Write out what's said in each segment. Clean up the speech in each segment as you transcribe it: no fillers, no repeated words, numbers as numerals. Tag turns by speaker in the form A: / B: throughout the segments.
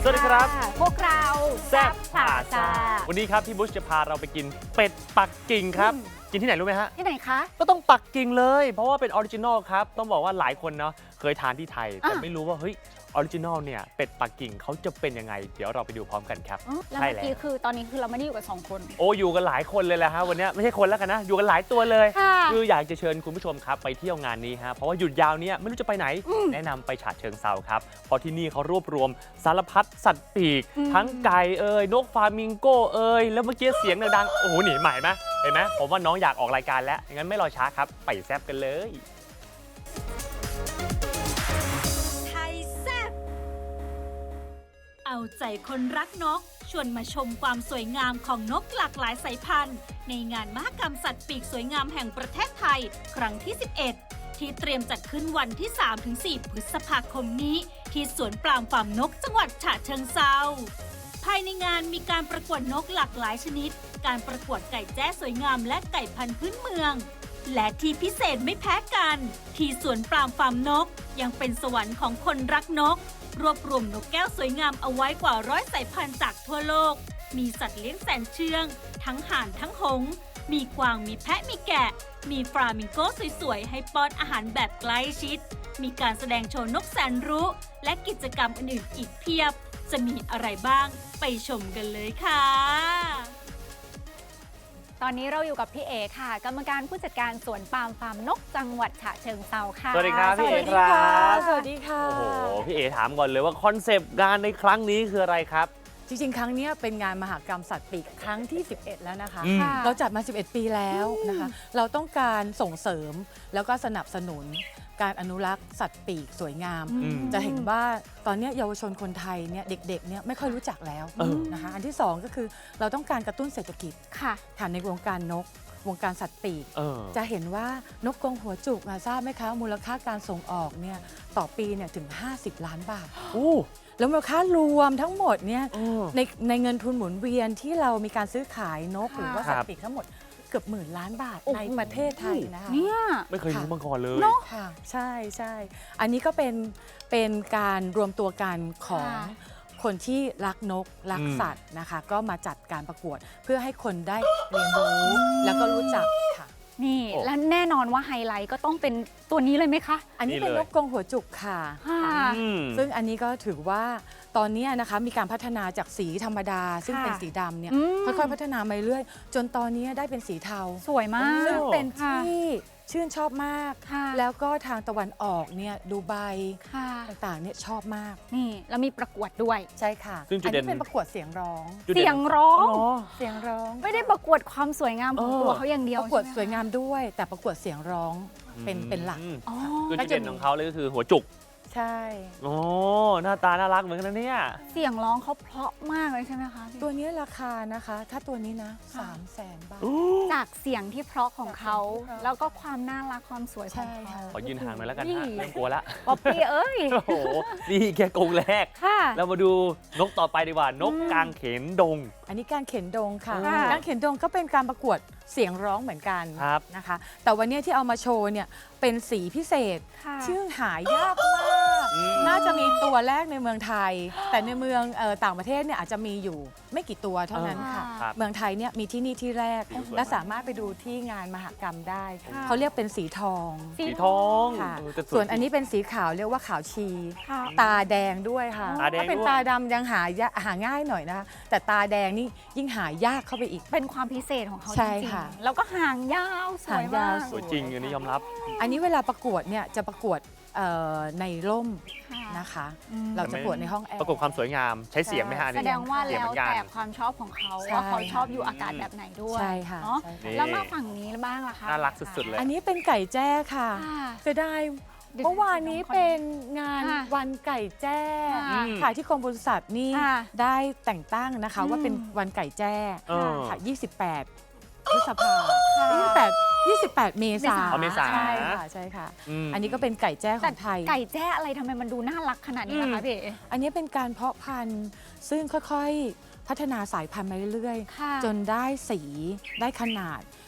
A: สวัสดีครับ
B: พวกเรา
A: แซ่บผ่าซ่าวันนี้ครับพี่บุชจะพาเราไปกินเป็ดปักกิ่งครับกินที่ไหนรู้ไหมฮะ
B: ที่ไหนคะ
A: ก็ต้องปักกิ่งเลยเพราะว่าเป็นออริจินอลครับต้องบอกว่าหลายคนเนาะเคยทานที่ไทยแต่ไม่รู้ว่าเฮ้ยออริจินอลเนี่ยเป็ดปักกิ่งเขาจะเป็นยังไงเดี๋ยวเราไปดูพร้อมกันครับ
B: แล้วเมื่อกี้คือตอนนี้คือเราไม่ได้อยู่กับ2คน
A: โอ้อยู่กันหลายคนเลยแหละฮะวันนี้ไม่ใช่คนแล้วกันนะอยู่กันหลายตัวเลยคืออยากจะเชิญคุณผู้ชมครับไปเที่ยวงานนี้ฮะเพราะว่าหยุดยาวเนี่ยไม่รู้จะไปไหนแนะนำไปฉะเชิงเทราครับเพราะที่นี่เขารวบรวมสารพัดสัตว์ปีกทั้งไก่นกฟลามิงโกแล้วเมื่อกี้เสียงดังๆโอ้โหหนีใหม่ไหมเห็นไหมผมว่าน้องอยากออกรายการแล้วงั้นไม่รอช้าครับไปแซ่บกันเลย
C: เอาใจคนรักนกชวนมาชมความสวยงามของนกหลากหลายสายพันธุ์ในงานมหกรรมสัตว์ปีกสวยงามแห่งประเทศไทยครั้งที่ 11 ที่เตรียมจัดขึ้นวันที่ 3-4 พฤษภาคมนี้ที่สวนปรามฟาร์มนกจังหวัดฉะเชิงเทราภายในงานมีการประกวดนกหลากหลายชนิดการประกวดไก่แจ้สวยงามและไก่พันธุ์พื้นเมืองและที่พิเศษไม่แพ้กันที่สวนปรามฟาร์มนกยังเป็นสวรรค์ของคนรักนกรวบรวมนกแก้วสวยงามเอาไว้กว่า100 สายพันธุ์จากทั่วโลกมีสัตว์เลี้ยงแสนเชื่องทั้งห่านทั้งหงส์มีกวางมีแพะมีแกะมีฟลามิงโกสวยๆให้ป้อนอาหารแบบใกล้ชิดมีการแสดงโชว์นกแสนรู้และกิจกรรมอื่นๆอีกเพียบจะมีอะไรบ้างไปชมกันเลยค่ะ
B: ตอนนี้เราอยู่กับพี่เอค่ะกรรมการผู้จัดการสวนปาล์มฟาร์มนกจังหวัดฉะเชิงเทราค่ะ
A: สวัสดีครับพี่เอครับ
D: สวัสดีค่ะ
A: โอ้โหพี่เอถามก่อนเลยว่าคอนเซปต์งานในครั้งนี้คืออะไรครับ
D: จริงๆครั้งนี้เป็นงานมหกรรมสัตว์ปีกครั้งที่ 11 แล้วนะคะ
B: ค่ะ
D: เราจัดมา 11 ปีแล้วนะคะเราต้องการส่งเสริมแล้วก็สนับสนุนการอนุรักษ์สัตว์ปีกสวยงามจะเห็นว่าตอนนี้เยาวชนคนไทยเนี่ยเด็กๆเนี่ยไม่ค่อยรู้จักแล้วนะคะอันที่ 2 ก็คือเราต้องการกระตุ้นเศรษฐกิจ
B: ค่ะ
D: ในวงการนกวงการสัตว์ปีกจะเห็นว่านกกรงหัวจุกทราบไหมคะมูลค่าการส่งออกเนี่ยต่อปีเนี่ยถึง50 ล้านบาทแล้วมูลค่ารวมทั้งหมดเนี่ยในเงินทุนหมุนเวียนที่เรามีการซื้อขายนกหรือว่าสัตว์ปีกทั้งหมดเกือบ10,000 ล้านบาทในประเทศไทยนะคะ
B: เนี่ย
A: ไม่เคยรู้มาก่อนเลย
D: ค่ะใช่อันนี้ก็เป็นการรวมตัวกันของคนที่รักนกรักสัตว์นะคะก็มาจัดการประกวดเพื่อให้คนได้เรียนรู้แล้วก็รู้จักค่ะ
B: นี่และแน่นอนว่าไฮไลท์ก็ต้องเป็นตัวนี้เลยไหมคะ
D: อันนี้เป็นนกกรงหัวจุกค่ะซึ่งอันนี้ก็ถือว่าตอนนี้นะคะมีการพัฒนาจากสีธรรมดาซึ่งเป็นสีดำเนี่ยค่อยๆพัฒนามาเรื่อยจนตอนนี้ได้เป็นสีเทา
B: สวยมาก
D: ซึ่งเป็นที่ชื่นชอบมากแล้วก็ทางตะวันออกเนี่ยดูไบต่างๆเนี่ยชอบมาก
B: นี่แล้วมีประกวดด้วย
D: ใช่ค่ะ
A: ซึ่งจุดเด่น
D: เป็นประกวดเสียงร้อง
B: เสียงร้อง
D: ไม่
B: ได้ประกวดความสวยงามของตัวเขาอย่างเดียว
D: ประกวดสวยงามด้วยแต่ประกวดเสียงร้องเป็นหลัก
A: คือจุดเด่นของเขาเลยก็คือหัวจุก
D: ใช่
A: โอ้หน้าตาน่ารักเหมือนกันนะเนี่ย
B: เสียงร้องเขาเพราะมากเลยใช่ไหมคะ
D: ตัวนี้ราคานะคะถ้าตัวนี้นะ300,000 บาท
B: จากเสียงที่เพราะของเขาแล้วก็ความน่ารักความสวยของเขา
A: ขอยืนห่างหน่อยแล้วกันฮะไม่กลัวละ
B: ป๊อปปี้เอ้ย
A: โอ้โหนี่แค่กรงแรกเรามาดูนกต่อไปดีกว่านกกางเขนดง
D: อันนี้การเข็นดงค่ะกางเข็นดงก็เป็นการประกวดเสียงร้องเหมือนกันนะคะแต่วันนี้ที่เอามาโชว์เนี่ยเป็นสีพิเศษชื่อหายากมากน่าจะมีตัวแรกในเมืองไทยแต่ในเมืองต่างประเทศเนี่ยอาจจะมีอยู่ไม่กี่ตัวเท่านั้นค่ะเมืองไทยเนี่ยมีที่นี่ที่แรกและสามารถไปดูที่งานมหกรรมได้เขาเรียกเป็นสีทองค่ะส่วนอันนี้เป็นสีขาวเรียกว่าขาวชีตาแดงด้วยค่ะถ้าเป็นตาดำยังหาง่ายหน่อยนะคะแต่ตาแดงนี่ยิ่งหายากเข้าไปอีก
B: เป็นความพิเศษของเขาจริงๆแล้วก็หางยาวสวยมาก
A: สวยจริงอันนี้ยอมรับ
D: อันนี้เวลาประกวดเนี่ยจะประกวดในร่มนะคะเราจะประกวดในห้องแอร์
A: ประกวดความสวยงามใช้เสียงไหมฮะ
B: แสดงว่าแล้วแต่ความชอบของเขาว่าเขาชอบอยู่อากาศแบบไหนด้วย
D: ใช่ค่ะ
B: แล้วมาฝั่งนี้บ้างล่ะคะ
A: น่ารักสุดๆเลย
D: อันนี้เป็นไก่แจ้ค่ะจะได้เมื่อวานนี้เป็นงานวันไก่แจ้ค่ะที่กรมปศุสัตว์นี่ได้แต่งตั้งนะคะว่าเป็นวันไก่แจ้ค่ะ28 พฤษภาคม28 เมษายนใช่ค่ะอันนี้ก็เป็นไก่แจ้ของไทย
B: ไก่แจ้อะไรทำไมมันดูน่ารักขนาดนี้นะคะพี่
D: อันนี้เป็นการเพาะพันธุ์ซึ่งค่อยๆพัฒนาสายพันธุ์มาเรื่อยๆจนได้สีได้ขนาด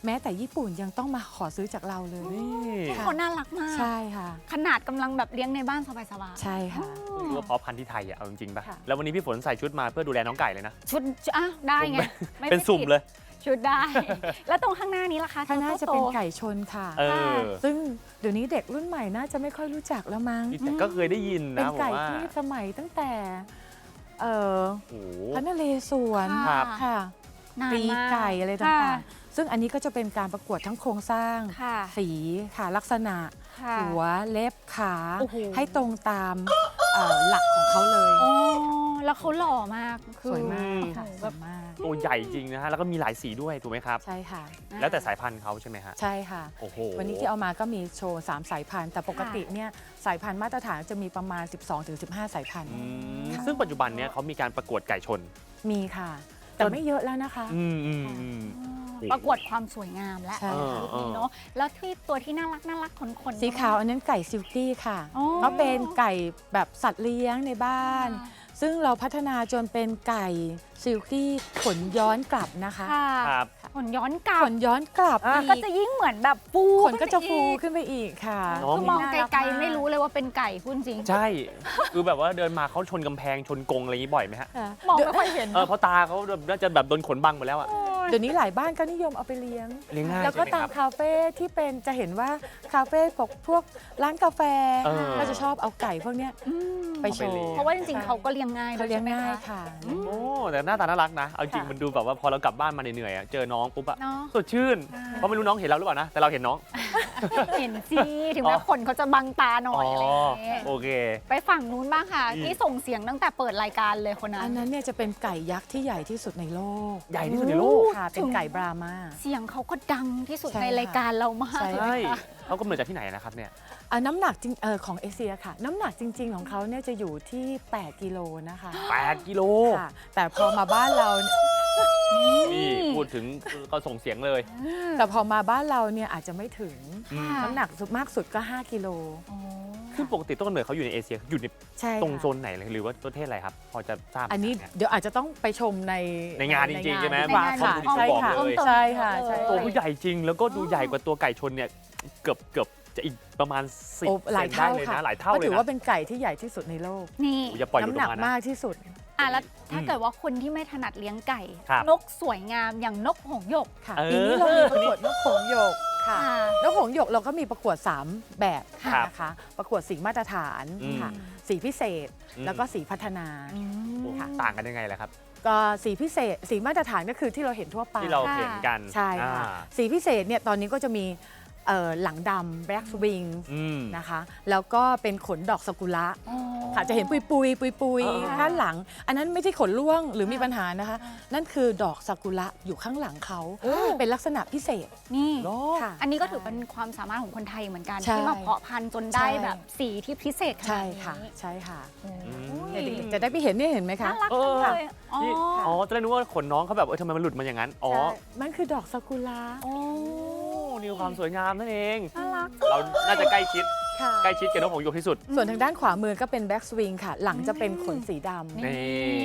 D: แม้แต่ญี่ปุ่นยังต้องมาขอซื้อจากเราเลย
A: นี่
D: ค่ะ
B: เขาน่ารักมาก
D: ใช่ค่ะ
B: ขนาดกำลังแบบเลี้ยงในบ้านสบายๆ
D: ใช่ค่ะ
A: ไม่รู้ว่าเพาะพันธุ์ที่ไทยอะเอาจริงๆป่ะ
D: ค่ะ
A: แล้ววันนี้พี่ฝนใส่ชุดมาเพื่อดูแลน้องไก่เลยนะ
B: ชุดอ่ะได้ไงไม่
A: เป็นสุ่มเลย
B: ชุดได้ แล้วตรงข้างหน้านี้ล่ะคะ
D: ข้างหน้าจะเป็นไก่ชนค่ะ
A: เออ
D: ซึ่งเดี๋ยวนี้เด็กรุ่นใหม่น่าจะไม่ค่อยรู้จักแล้วมั้ง
A: แต่ก็เคยได้ยิน
D: เป็น
A: นะผม
D: ไก่
A: ว่า
D: ที่สมัยตั้งแต่เอ่อ
A: โอ้โห
D: พระนเรศวร
A: ครับ
D: ค่ะ
B: นาน
D: ปี
B: มาก
D: ไก่อะไร
B: ค่ะ
D: ต่างๆ ซึ่งอันนี้ก็จะเป็นการประกวดทั้งโครงสร้าง
B: ค่ะ
D: สีค่ะลักษณะ
B: ค่ะ
D: หัวเล็บขา
B: โอ้โห
D: ให้ตรงตามหลักของเขาเลย
B: อ๋อแล้วเขาหล่อมากคือ
D: สวยมากค่ะ
B: โอ้โห
D: ส
B: แบ
D: ว
B: บ
D: ยมาก
A: ตัวใหญ่จริงนะฮะ แล้วก็มีหลายสีด้วยถูกไหมครับ
D: ใช่ค่ะ
A: แล้วแต่สายพันธุ์เขาใช่ไหมฮะ
D: ใช่ค่ะ
A: โอ้โห
D: วันนี้ที่เอามาก็มีโชว์3สายพันธุ์แต่ปกติเนี่ยสายพันธุ์มาตรฐานจะมีประมาณ 12-15 สายพันธุ์
A: อืม
D: ค่ะ
A: ซึ่งปัจจุบันเนี้ยเขามีการประกวดไก่ชน
D: มีค่ะ แต่ไม่เยอะแล้วนะคะ
A: อืมอืมอืม
B: ประกวดความสวยงามและ
D: ใช่ค่ะ
B: รูปนี้เนาะแล้วที่ตัวที่น่ารักขนๆ
D: สีขาวอันนั้นไก่ซิลกี้ค่ะ
B: อ๋อ
D: เขาเป็นไก่แบบสัตว์เลี้ยงในบ้าน ซึ่งเราพัฒนาจนเป็นไก่ซิลกี้ขนย้อนกลับนะคะ
B: ค่ะ
A: ครับ
B: ขนย้อนกลับ
D: ขนย้อนกลับ
A: อ่ะ
D: อี
B: ก็จะยิ่งเหมือนแบบฟู
D: ขนก็จะฟู
B: ขึ้นไปอี
D: ขึ้นไปอีกค่ะ
A: น้อง
B: คือมองไกลๆไม่รู้เลยว่าเป็นไก่พูดจริง
A: ใช่ คือแบบว่าเดินมาเขาชนกำแพงชนกรงอะไรอย่างนี้บ่อยไหมฮะ
D: ค่ะ
B: มองไม่ค่อยเห็น
A: เพราะตาเขาน่าจะแบบโดนขนบังหมดแล้วอะ
D: เดี๋ยวนี้หลายบ้านก็นิยมเอาไปเลี้ยง
A: เลี้ยงง่าย
D: แล้วก็
A: ใช่ไหม
D: ตา
A: ค
D: ม
A: รับ
D: คาเฟ่ที่เป็นจะเห็นว่าคาเฟ่พวกร้านกาแฟ
A: เออ
D: ก็จะชอบเอาไก่พวกเนี้ยไปโชว์
B: เพราะว่าจริงๆเขาก็เลี้ยงง่าย
D: เขาเลี้ยง
B: ด้วใช่
D: ง่าย
B: ไหม
D: ค่ะ
A: โอ้แต่หน้าตาน่ารักนะ เอาจริง
D: ค่ะ
A: มันดูแบบว่าพอเรากลับบ้านมาเหนื่อยๆอะเจอน้องปุ๊บอะ
B: เนาะ
A: สดชื่น เพราะไม่รู้น้องเห็นเราหรือเปล่านะ แต่เราเห็นน้อง
B: เห็นสิถึงแม้ขนเขาจะบังตาหน่อยอะไรอย่างเงี้ย
A: โอเค
B: ไปฝั่งนู้นบ้างค่ะ
A: อืม
B: ที่ส่งเสียงตั้งแต่เปิดรายการเลยคนนั้
D: อั
B: น
D: นนั้นเนี่ยจะเป็นไก่ยักษ์ที่ใหญ่ที่สุดในโลก
A: ใหญ่ที่สุดในโลก
D: ค่ะ เป็นไก่บรามา
B: เสียงเขาก็ดังที่สุด
D: ใช่
B: ในรายการเรามาก
D: ใช่
A: ใช่เขากำเนิดจากที่ไหนนะครับเนี่ย
D: น้ำหนักจริงของเอเชียค่ะ น้ำหนักจริง ๆ ของเขาเนี่ยจะอยู่ที่ 8 กิโลนะคะ
A: 8 กิโล
D: ค่ะ แต่พอมาบ้านเราเนี่ย
A: นี่พูดถึงก็ส่งเสียงเลย
D: แต่พอมาบ้านเราเนี่ยอาจจะไม่ถึง
A: อืม
B: ค่ะ
D: น้ำหนักมากสุดก็ 5 กิโล
B: อ๋อ
A: ซึ่งปกติต้นกำเนิดเขาอยู่ในเอเชียอยู่ใน
D: ใช่
A: ตรง
D: ค่ะ
A: โซนไหนเลยหรือว่าประเทศอะไรครับ พอจะทราบไหม
D: อันนี้
A: ครับ
D: เดี๋ยวอาจจะต้องไปชมใน
A: ในงานจริงๆใช่ไหม
D: ดีกว่าค่ะ
A: บางคน
D: ใช่
A: บอก
D: ค่ะ
A: เลย
D: ใช่ค่ะใช่
A: ตัวเขาใหญ่จริง แล้วก็ดูใหญ่กว่าตัวไก่ชนเนี่ยเกือบจะอีกประมาณ10
D: โอ้หลายเท่า
A: ได้เลย
D: ค่ะ
A: นะหลายเท่า
D: ก็
A: เลย
D: ถือ
A: นะ
D: ว่าเป็นไก่ที่ใหญ่ที่สุดในโลก
B: นี่
A: โอ้อย่าปล่อยหลุด
D: น้ำ
A: อ
D: ห
A: อ
D: นั
A: ก
D: ก
A: มานะ
D: มากที่สุด
B: แล้วถ้าเกิดว่าคนที่ไม่ถนัดเลี้ยงไก่
A: ครับ
B: นกสวยงามอย่างนกหงส์หยก
D: ค่ะ
A: เออ
D: ปีนี้เรามีประกวดนกหงส์หยกค่ะ
B: ค่ะ
D: นกหงส์หยกเราก็มีประกวด 3 แบบ
A: ครับ
D: นะคะ ประกวดสีมาตรฐาน
A: อืม
D: ค่ะ สีพิเศษ
A: อืม
D: แล้วก็สีพัฒนา
B: อืม
A: โอ้
D: ค่ะ
A: ต่างกันยังไงล่ะครับ
D: ก็สีพิเศษ สีมาตรฐานก็คือที่เราเห็นทั่วไป
A: ที่เราเห็นกัน
D: ใช่ค่ะ
A: อ่า
D: สีพิเศษเนี่ยตอนนี้ก็จะมีหลังดำ black wing
A: อืม
D: นะคะ แล้วก็เป็นขนดอกซากุระ
B: อ๋อ
D: ค่ะจะเห็นปุย
A: อ่า
D: ด้านหลัง อันนั้นไม่ใช่ขนร่วงหรือมีปัญหานะคะ นั่นคือดอกซากุระอยู่ข้างหลังเขา เป็นลักษณะพิเศษ
B: นี่
A: เหรอ
D: ค่ะ
B: อันนี้ก็ถือเป็นความสามารถของคนไทยเหมือนกัน
D: ใช่
B: ที่มาเพาะพันธุ์จนได้
D: ใช่
B: แบบสีที่พิเศษขนา
D: ใช่
B: ดนี้
D: ค่ะใช่ค่ะ
B: โอ้ย
D: เนี่ยเด็กๆจะได้ไปเห็นเนี่ยเห็นไหมคะ
B: น่ารัก
A: เอ
B: จั
A: อ
B: งเลยอ๋อ
A: นี่อ๋อตอนแรกนึกว่าขนน้องเขาแบบทำไมมันหลุดมาอย่างนั้น อ๋อ
D: ใช่มันคือดอกซากุระ
B: โอ้
A: นี่คือความสวยงามนั่นเอง
B: น่ารัก
A: เราน่าจะใกล้ชิด
D: ค่ะ
A: ใกล้ชิดกับนกหงส์หยกที่สุด
D: ส่วนทางด้านขวามือก็เป็นแบ็กสวิงค่ะ หลังจะเป็นขนสีดำ
A: นี่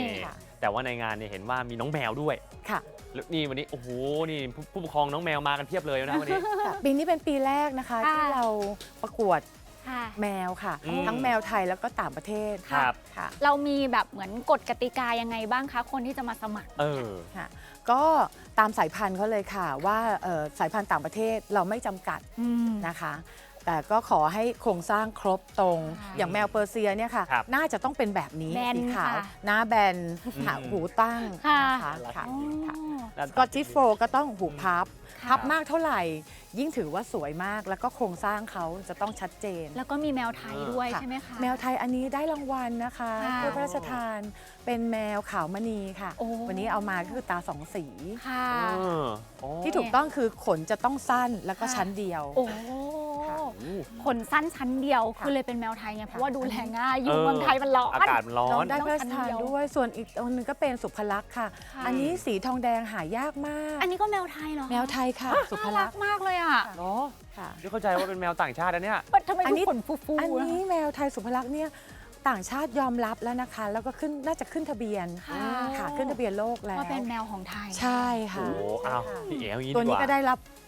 D: ค่ะ
A: แต่ว่าในงานเนี่ยเห็นว่ามีน้องแมวด้วย
D: ค่ะ
A: แล้วนี่วันนี้ โอ้โห นี่ผู้ปกครองน้องแมวมากันเพียบเลยนะวันนี้
D: ค่ะปีนี้เป็นปีแรกนะคะ
B: ค่ะ
D: ที่เราประกวด
B: ค่ะ
D: แมวค่ะ
A: อืม
D: ทั้งแมวไทยแล้วก็ต่างประเทศ
A: ครับ
D: ค่ะ
B: เรามีแบบเหมือนกฎกติกายังไงบ้างคะ คนที่จะมาสมัคร
A: เออ
D: ค่ะก็ตามสายพันธุ์เขาเลยค่ะว่าสายพันธุ์ต่างประเทศเราไม่จำกัดนะคะ แต่ก็ขอให้โครงสร้างครบตรง
B: ค่ะ
D: อย่างแมวเปอร์เซียเนี่ยค่ะ
A: ครับ
D: น่าจะต้องเป็นแบบนี้
B: แบน
D: สีขาว
B: ค่ะ
D: หน้าแบนหาหูตั้ง
B: ค่ะ
D: นะคะค่ะ
B: อ๋อ
D: ค่ะ
A: น่า
D: สกอตติชโฟก็ต้องหูพับ
B: ค่ะ
D: พับมากเท่าไหร่ ยิ่งถือว่าสวยมากแล้วก็โครงสร้างเขาจะต้องชัดเจน
B: แล้วก็มีแมวไทยด้วย
D: ค่ะ
B: ใช่ไหมคะ
D: แมวไทยอันนี้ได้รางวัลนะคะ
B: ค่ะ
D: ถ้วยพระราชทานเป็นแมวขาวมณีค่ะ
B: โอ้
D: วันนี้เอามาก็คือตาสองสี
B: ค่ะ
A: เออโอ้
D: ที่ถูกต้องคือขนจะต้องสั้นแล้วก็
B: ค่ะ
D: ชั้นเดียว
B: โอ้
D: ค่ะ
B: ขนสั้นชั้นเดียว
D: ค่ะ
B: คือเลยเป็นแมวไทยไงเพราะว่าดูแลง่าย อยู่
A: เออ
B: เมืองไทยมันร้อน
A: อากาศมันร้อ
D: น้อง
A: น
D: ได้พระราชทานด้วย ส่วนอีกตัวหนึงก็เป็นสุภลักษณ์ค่ะ
B: ค่ะ
D: อันนี้สีทองแดงหายากมาก
B: อันนี้ก็แมวไทยเหรอ
D: แมวไทยค่ะ สุภ
B: น่า
D: ลั
B: รั
D: ก
B: ก
D: ษณ์
B: มากเลยอ่ะ
A: เนาะ
D: ค่ะ
A: ที่เข้าใจว่าเป็นแมวต่างชาตินะเนี่ย
B: ทำไม
D: อัน
B: ดู
D: นี้
B: ขนฟูๆ
D: อัน
B: อะ
D: นี้แมวไทยสุภลักษณ์เนี่ยต่างชาติยอมรับแล้วนะคะ แล้วก็ขึ้นน่าจะขึ้นทะเบียน
B: ค่ะ
D: ค่ะขึ้นทะเบียนโลกแล้ว
B: ว่าเป็นแมวของไทย
D: ใช่
A: โอ้
D: ค่ะ
A: โหอ้าวพี่เอ๋อย่างนี้
D: ตัว
A: ดีก
D: นี้
A: ว่า
D: ก็ได้รับ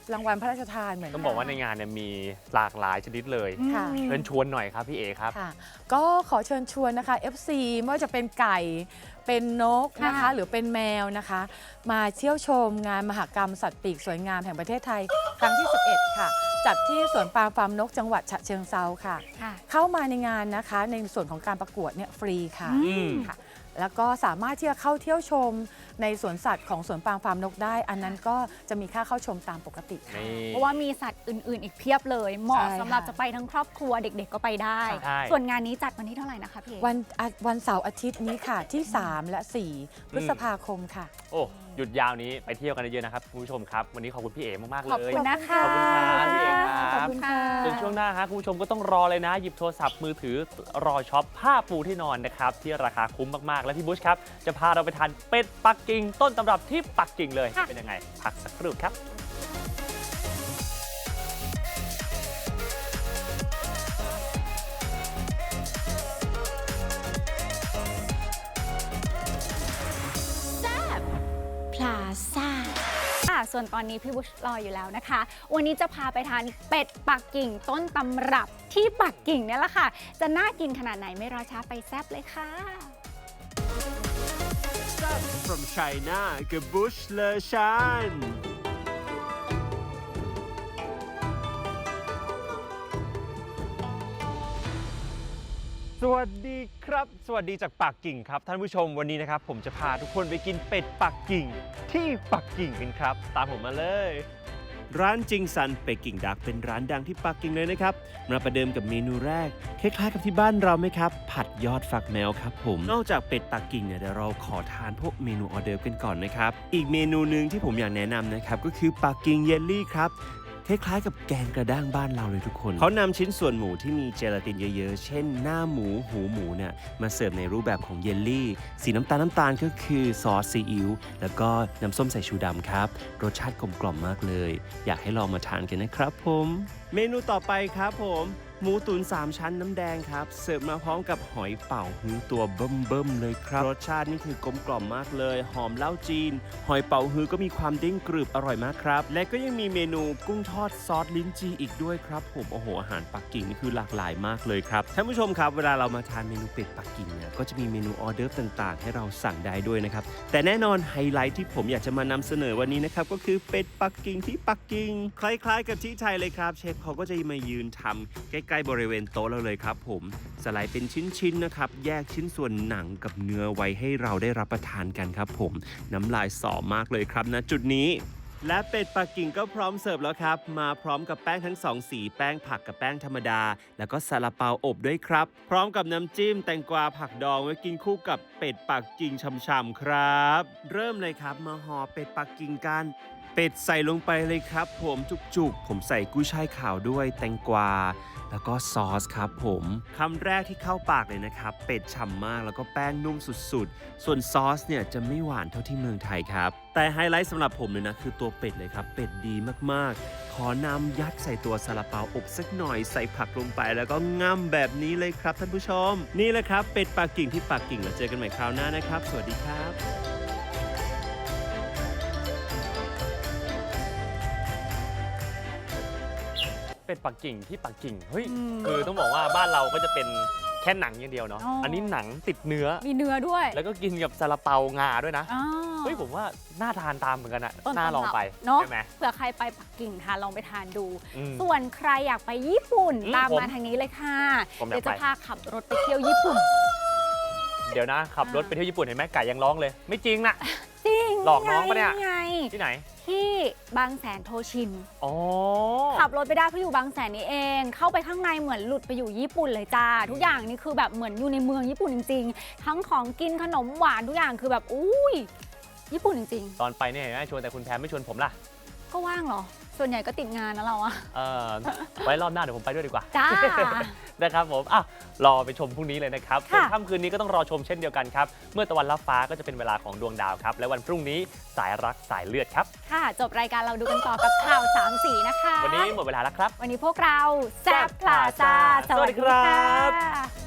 D: รางวัลพระราชทานเหมือนกัน
A: ต้องบอกว่าในงานเนี่ยมีหลากหลายชนิดเลย
D: ค่ะ
A: เชิญชวนหน่อยครับพี่เอครับ
D: ค่ะก็ขอเชิญชวนนะคะ FC ไม่ว่าจะเป็นไก่เป็นนกนะคะหรือเป็นแมวนะคะ มาเที่ยวชมงานมหกรรมสัตว์ปีกสวยงามแห่งประเทศไทยครั้งที่ 11 ค่ะ จัดที่สวนปาล์มฟาร์มนกจังหวัดฉะเชิงเทราค่ะ เข้ามาในงานนะคะในส่วนของการประกวดเนี่ยฟรีค่ะ ค่ะ แล้วก็สามารถที่จะเข้าเที่ยวชมในสวนสัตว์ของสวนปาล์มฟาร์มนกได้ อันนั้นก็จะมีค่าเข้าชมตามปกติค่ะ
B: เพราะว่ามีสัตว์อื่นๆ อีกเพียบเลย เหมาะ
D: ใช่
B: สำหรับ
D: ค่ะ
B: จะไปทั้งครอบครัวเด็กๆก็ไปได้
A: ใช่
B: ส่วนงานนี้จัดวันที่เท่าไหร่นะคะพี่เอก
D: วันเสาร์อาทิตย์นี้ค่ะที่ 3 และ 4 พฤษภาคมค่ะ
A: โอ้หยุดยาวนี้ไปเที่ยวกันเยอะๆนะครับคุณผู้ชมครับวันนี้ขอบคุณพี่เอมากๆ
B: ขอบ
A: เลย
B: คุณนะคะ
A: ขอบคุณครับพี่เอกครับ
D: ขอบคุณค่ะ
A: ส่วนช่วงหน้าฮะคุณผู้ชมก็ต้องรอเลยนะ หยิบโทรศัพท์มือถือรอช็อปผ้าปูที่นอนนะครับที่ราคาคุ้มมากๆ และพี่บุชครับจะพาเราไปทานเป็ดปักกิ่งต้นตำรับที่ปักกิ่งเลย
B: ค่ะ
A: เป็นยังไงพักสักครู่ครับ
C: พลาซ่า
B: ส่วนตอนนี้พี่บุชรออยู่แล้วนะคะ วันนี้จะพาไปทานเป็ดปักกิ่งต้นตำรับที่ปักกิ่งเนี่ยแหละค่ะ จะน่ากินขนาดไหนไม่รอช้าไปแซ่บเลยค่ะ
E: From China กับบุชเลอชันสวัสดีครับ สวัสดีจากปักกิ่งครับท่านผู้ชมวันนี้นะครับผมจะพาทุกคนไปกินเป็ดปักกิ่งที่ปักกิ่งกันครับ ตามผมมาเลย ร้านจิงซันเป็ดกิ่งดักเป็นร้านดังที่ปักกิ่งเลยนะครับมาประเดิมกับเมนูแรกคล้ายๆกับที่บ้านเราไหมครับผัดยอดฝักแมวครับผมนอกจากเป็ดปักกิ่งเนี่ยเดี๋ยวเราขอทานพวกเมนูออเดิร์ฟกันก่อนนะครับอีกเมนูหนึ่งที่ผมอยากแนะนำนะครับก็คือปักกิ่งเยลลี่ครับคล้ายๆกับแกงกระด้างบ้านเราเลยทุกคนเขานำชิ้นส่วนหมูที่มีเจลาตินเยอะๆเช่นหน้าหมูหูหมูเนี่ยมาเสิร์ฟในรูปแบบของเยลลี่สีน้ำตาลก็คือซอสซีอิ๊วแล้วก็น้ำส้มสายชูดำครับรสชาติกลมกล่อมมากเลยอยากให้ลองมาทานกันนะครับผมเมนูต่อไปครับผมหมูตุ๋น3ชั้นน้ำแดงครับเสิร์ฟมาพร้อมกับหอยเป๋าฮื้อตัวเบิ่มๆเลยครับรสชาตินี่คือกลมกล่อมมากเลยหอมเหล้าจีนหอยเป๋าฮื้อก็มีความเด้งกรึบอร่อยมากครับและก็ยังมีเมนูกุ้งทอดซอสลิ้นจี่อีกด้วยครับผมโอ้โหอาหารปักกิ่งนี่คือหลากหลายมากเลยครับท่านผู้ชมครับเวลาเรามาทานเมนูเป็ดปักกิ่งเนี่ยก็จะมีเมนูออเดิร์ฟต่างๆให้เราสั่งได้ด้วยนะครับแต่แน่นอนไฮไลท์ที่ผมอยากจะมานำเสนอวันนี้นะครับก็คือเป็ดปักกิ่งที่ปักกิ่งคล้ายๆกับที่ไทยเลยครับเชฟเขาก็จะมายืนทำใกล้ๆบริเวณโต๊ะเราเลยครับผมสไลด์เป็นชิ้นๆนะครับแยกชิ้นส่วนหนังกับเนื้อไว้ให้เราได้รับประทานกันครับผมน้ำลายสอมากเลยครับณจุดนี้และเป็ดปักกิ่งก็พร้อมเสิร์ฟแล้วครับมาพร้อมกับแป้งทั้ง2สีแป้งผักกับแป้งธรรมดาแล้วก็ซาลาเปาอบด้วยครับพร้อมกับน้ำจิ้มแตงกวาผักดองไว้กินคู่กับเป็ดปักกิ่งฉ่ำๆครับเริ่มเลยครับมาห่อเป็ดปักกิ่งกันเป็ดใส่ลงไปเลยครับผมจุกๆผมใส่กุ้ยช่ายขาวด้วยแตงกวาแล้วก็ซอสครับผมคำแรกที่เข้าปากเลยนะครับเป็ดฉ่ำมากแล้วก็แป้งนุ่มสุดๆส่วนซอสเนี่ยจะไม่หวานเท่าที่เมืองไทยครับแต่ไฮไลท์สำหรับผมเลยนะคือตัวเป็ดเลยครับเป็ดดีมากๆขอนำยัดใส่ตัวซาลาเปาอบสักหน่อยใส่ผักลงไปแล้วก็ง่ำแบบนี้เลยครับท่านผู้ชมนี่แหละครับเป็ดปักกิ่งที่ปักกิ่งแล้วเจอกันใหม่คราวหน้านะครับสวัสดีครับ
A: เป็ดปักกิ่งที่ปักกิ่งเฮ้ยคือต้องบอกว่าบ้านเราก็จะเป็นแค่หนังอย่างเดียวเนาะ
B: อ๋ออั
A: อันนี้หนังติดเนื้อ
B: มีเนื้อด้วย
A: แล้วก็กินกับซาลาเปางาด้วยนะ
B: อ๋อ
A: เฮ้ยผมว่าน่าทานตามเหมือนกันอะ
B: ต้น
A: น่าลองไป
B: เนาะ
A: ใช่ไหม
B: เผื่อใครไปปักกิ่งค่ะลองไปทานดู
A: อืม
B: ส่วนใครอยากไปญี่ปุ่น
A: อืม
B: ตาม
A: ผม
B: มาทางนี้เลยค่ะ
A: ผมอยาก
B: เดี๋ยวจะ
A: ไป
B: พาขับรถไปเที่ยวญี่ปุ่น
A: เดี๋ยวนะขับรถไปเที่ยวญี่ปุ่นเห็นไหมไก่ยังร้องเลย ไม่จริงน่ะ
B: จริง
A: หลอกน้องปะเนี่ย
B: ไง
A: ที่ไหน
B: ที่บางแสนโทชิน
A: อ๋อ
B: ขับรถไปได้เพราะอยู่บางแสนนี่เอง เข้าไปข้างในเหมือนหลุดไปอยู่ญี่ปุ่นเลยจ้า ทุกอย่างนี่คือแบบเหมือนอยู่ในเมืองญี่ปุ่นจริงๆ ทั้งของกินขนมหวานทุกอย่างคือแบบอุ้ยญี่ปุ่นจริง
A: ตอนไปเนี่ยเห็นไหมชวนแต่คุณแพรไม่ชวนผมล่ะ
B: ๆ ก็ว่างเหรอ ส่วนใหญ่ก็ติดงานนะเราอะ
A: ไว้รอบหน้าเดี๋ยวผมไปด้วยดีกว่า
B: จ้า
A: นะครับผมรอไปชมพรุ่งนี้เลยนะครับส่วน
B: ค่ะ
A: ค่ำคืนนี้ก็ต้องรอชมเช่นเดียวกันครับ เมื่อตะวันลับฟ้าก็จะเป็นเวลาของดวงดาวครับ และวันพรุ่งนี้สายรักสายเลือดครับ
B: ค่ะจบรายการเราดูกันต่อกับข่าวสามสีนะคะ
A: วันนี้หมดเวลาแล้วครับ
B: วันนี้พวกเราแซบพลาซา
A: สวัสดีครับ
B: ค่ะ